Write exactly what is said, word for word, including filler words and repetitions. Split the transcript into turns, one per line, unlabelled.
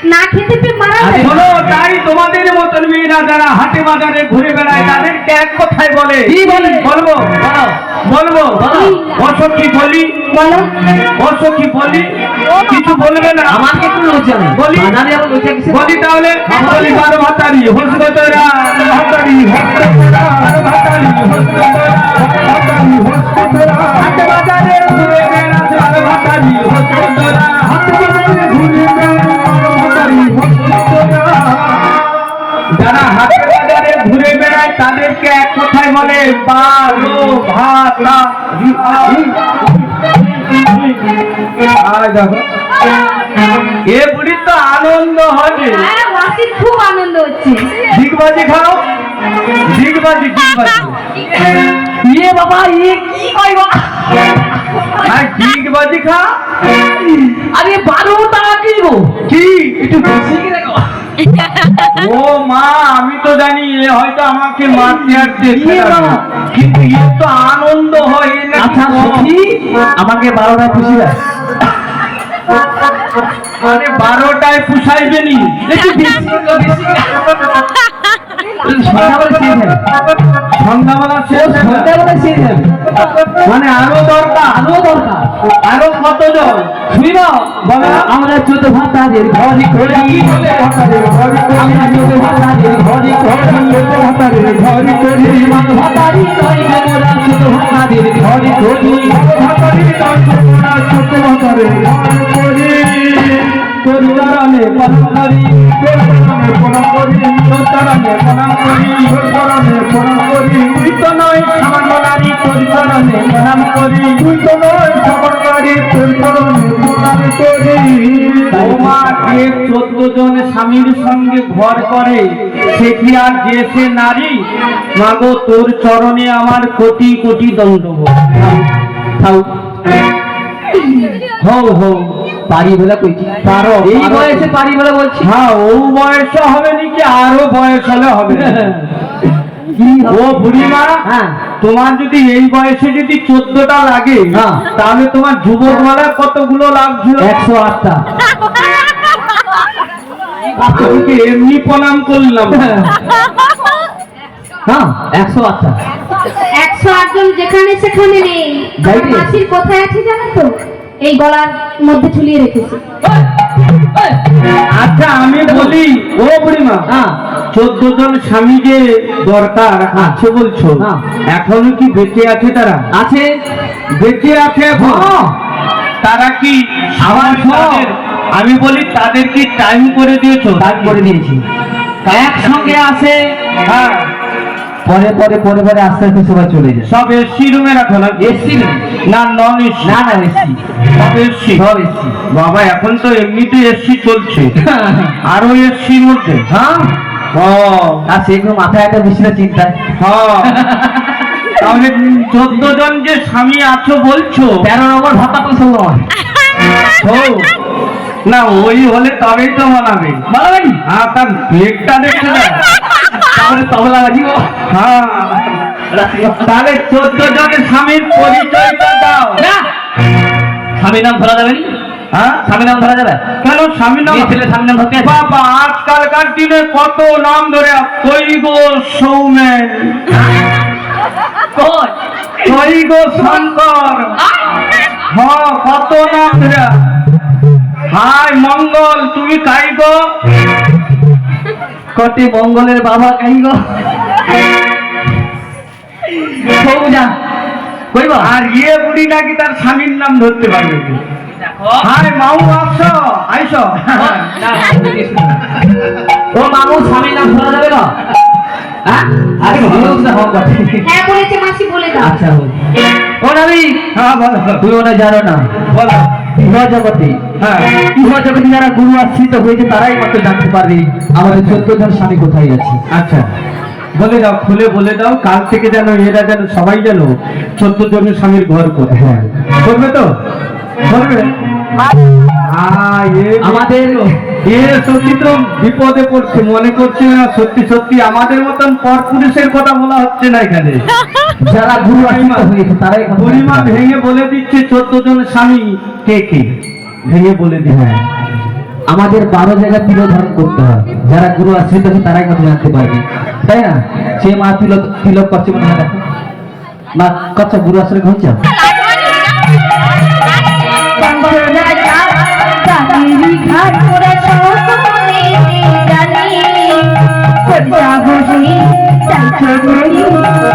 না খেতে পেয়ে মারা যায়।
শোনো, তাই তোমাদের মতন মেয়েরা যারা হাটে বাজারে ঘুরে বেড়ায় তাদেরকে এক কথায় বলে।
কি বলে?
বলবো বলবো অসখী বলি,
বলো
অসখী বলি, কিছু বলবে না?
আমাকে একটু লজ্জা নেই
বলি
বাজারে আবার লজ্জা কিসের?
বলি তাহলে বলি বারো ভাতারি হস্তরা ভাতারি হস্তরা ভাতারি হস্তরা ভাতারি হস্তরা হাটে বাজারে ঘুরে বেড়ায় বারো ভাতারি হস্তরা হাটে বাজারে ঘুরে বেড়ায় বারো ভাতারি হস্তরা। যারা হাটে বাজারে ঘুরে বেড়ায় তাদেরকে এক কথায় বলে বারো ভাতারি। আয় দেখো এ বুড়ি তো আনন্দ হবে।
হ্যাঁ ওয়াসির খুব আনন্দ হচ্ছে।
ঝিকবাজি খাও, ঝিকবাজি ঝিকবাজি।
ইয়ে বাবা ইয়ে কি কই বাবা?
আর ঝিকবাজি খা।
আরে বারো টাকা কি গো?
কি
একটু বেশি কি দেখো?
ও মা, আমি তো জানি এ হয়তো আমাকে মারতে আর চেষ্টা
ইয়ে বাবা।
করে। কিন্তু এর তো আনন্দ হয় এ নাকি
আচ্ছা
কম।
সখী আমাকে বারোটা খুশি দেয়।
আরে বারোটায় পুষাইবে নি।
একটু বেশি গো, বেশি গো। সন্ধ্যাবেলা শেষ হবে।
সন্ধ্যাবেলা শেষ হবে।
সন্ধ্যাবেলা শেষ হবে।
মানে আরো দরকার,
আরো দরকার।
আরো কত জন
শুনিব
বলো।
আমরা চোদ্দ ভাতাদের ঘরে ঘরে
কি বলে ভাতাদের ঘরে ঘরে?
আমরা চোদ্দ ভাতাদের ঘরে ঘরে
চোদ্দ ভাতাদের ঘরে ঘরে।
মান ভাতারি নয় মোরা চোদ্দ ভাতাদের ঘরে ঘরে
ভাতারি নয় মোরা চোদ্দ ভাতাদের ঘরে ঘরে। তোর চরণে প্রণাম করি, তোর চরণে প্রণাম করি, তোর চরণে প্রণাম করি, তোর চরণে প্রণাম করি। তুই তো নয় সামান্য নারী, তোর চরণে প্রণাম করি। তুই তো নয় সামান্য নারী, তোর চরণে প্রণাম করি। ওমা, যে চোদ্দ জন স্বামীর সঙ্গে ঘর করে সে কি আর যে সে নারী? মাগো, তোর চরণে আমার কোটি কোটি দণ্ডবোধ।
খাও
হও হও
পারি বলে কইছি
পারো,
এই
পারো।
বয়সে পারি বলে বলছি।
হ্যাঁ, ও বয়স হবে নাকি আরো বয়স হলে হবে?
কি
ও বুড়িমা,
হ্যাঁ
তোমার যদি এই বয়সে যদি চোদ্দটা লাগে
হ্যাঁ।
তাহলে তোমার যুবক বেলা কতগুলো লাগছিল?
একশো আটটা।
তোমাকে এমনি প্রণাম করলাম।
হ্যাঁ একশো আটটা।
একশো আটজন যেখানে সেখানে নেই।
যাই
আমার
রে।
মাসির কোথায় আছে জানো তো? এই গলার মধ্যে ঝুলিয়ে রেখেছি।
আচ্ছা আমি বলি, ও বুড়িমা,
হ্যাঁ
চোদ্দ জন স্বামী যে দরকার আছে বলছো,
হ্যাঁ।
এখনো কি বেঁচে আছে তারা?
আছে।
বেঁচে আছে এখন?
হ্যাঁ।
তারা কি
আবার
আমার
শোন।
তাদের- আমি বলি তাদের কি টাইম করে দিয়েছো?
দাগ করে দিয়েছি। একসঙ্গে আসে
হ্যাঁ,
পরে পরে পরে পরে আস্তে আস্তে সবাই চলে যায়।
সব এসি রুমে রাখো না?
এসছি
না নন এসি?
না না এসছি
সব এসি।
সব এসছি।
বাবা, এখন তো এমনিতে এসি চলছে, আরো এসির মধ্যে।
হ্যাঁ
ও
আর সেগুলো মাথায় একটা বেশি না চিন্তা।
হ্যাঁ, তাহলে চোদ্দ জন যে স্বামী আছো বলছো,
তেরো নম্বর ভাতা পয়সা নয়
ও, না ওই হলে তবেই তো মানাবে।
বলবেন
হ্যাঁ, তার ব্লেকটা দেখতে দেয়।
তাহলে তবলা বাজিব।
হ্যাঁ, তাহলে চোদ্দ জনের স্বামীর পরিচয়টা দাও।
না স্বামী নাম ধরা যাবে নি?
হ্যাঁ,
স্বামী নাম ধরা যাবে?
কেন স্বামী নাম?
মেয়ে ছেলে স্বামী নাম ধরতে আছে?
বাবা, আজকালকার দিনে কত নাম ধরে, তৈগ সৌমেন,
কই?
তৈগ শঙ্কর, হ্যাঁ কত নাম ধরে। হাই মঙ্গল, তুমি কাই গো?
কটি মঙ্গলের বাবা কাই গো? সৌজা কইবা?
আর ইয়ে বুড়ি নাকি তার স্বামীর নাম ধরতে পারবে? হাই মাউ, আসো আইসো।
ও মামু স্বামী নাম ধরা যাবে না? হ্যাঁ আরে বলুন না হোক বটে।
হ্যাঁ বলেছে মাসি, বলে দাও।
আচ্ছা বল। ও নাবি
হ্যাঁ বলো
তুই ওটা জানো না
বলো।
ইহ জগতে
হ্যাঁ,
ইহ জগতে যারা গুরু আশ্রিত হয়েছে তারাই মাত্র জানতে পারবে আমাদের চোদ্দ জন স্বামী কোথায় আছে।
আচ্ছা বলে দাও, খুলে বলে দাও, কাল থেকে যেন এরা যেন সবাই যেন চোদ্দ জনের স্বামীর ঘর কোথায় করবে তো? করবে? হ্যাঁ, এ
আমাদের
এ সত্যি তো বিপদে পড়ছে, মনে করছে না সত্যি সত্যি আমাদের মতন পর পুরুষের কথা বলা হচ্ছে না এখানে।
যারা গুরু আশ্রিত হয়েছে তারাই
পরিমা ভেঙে বলে দিচ্ছে চোদ্দ জন স্বামী কে কে, ভেঙে বলে দিচ্ছে।
আমাদের বারো জায়গায় তিলক ধারণ করতে হয়, যারা গুরু আশ্রিত আছে তারাই মাত্র জানতে পারবে, তাই না? সে মা তিলক তিলক করছে মনে হয়, দেখো মা কচ্ছ গুরু আশ্রয় হচ্ছে।
জানি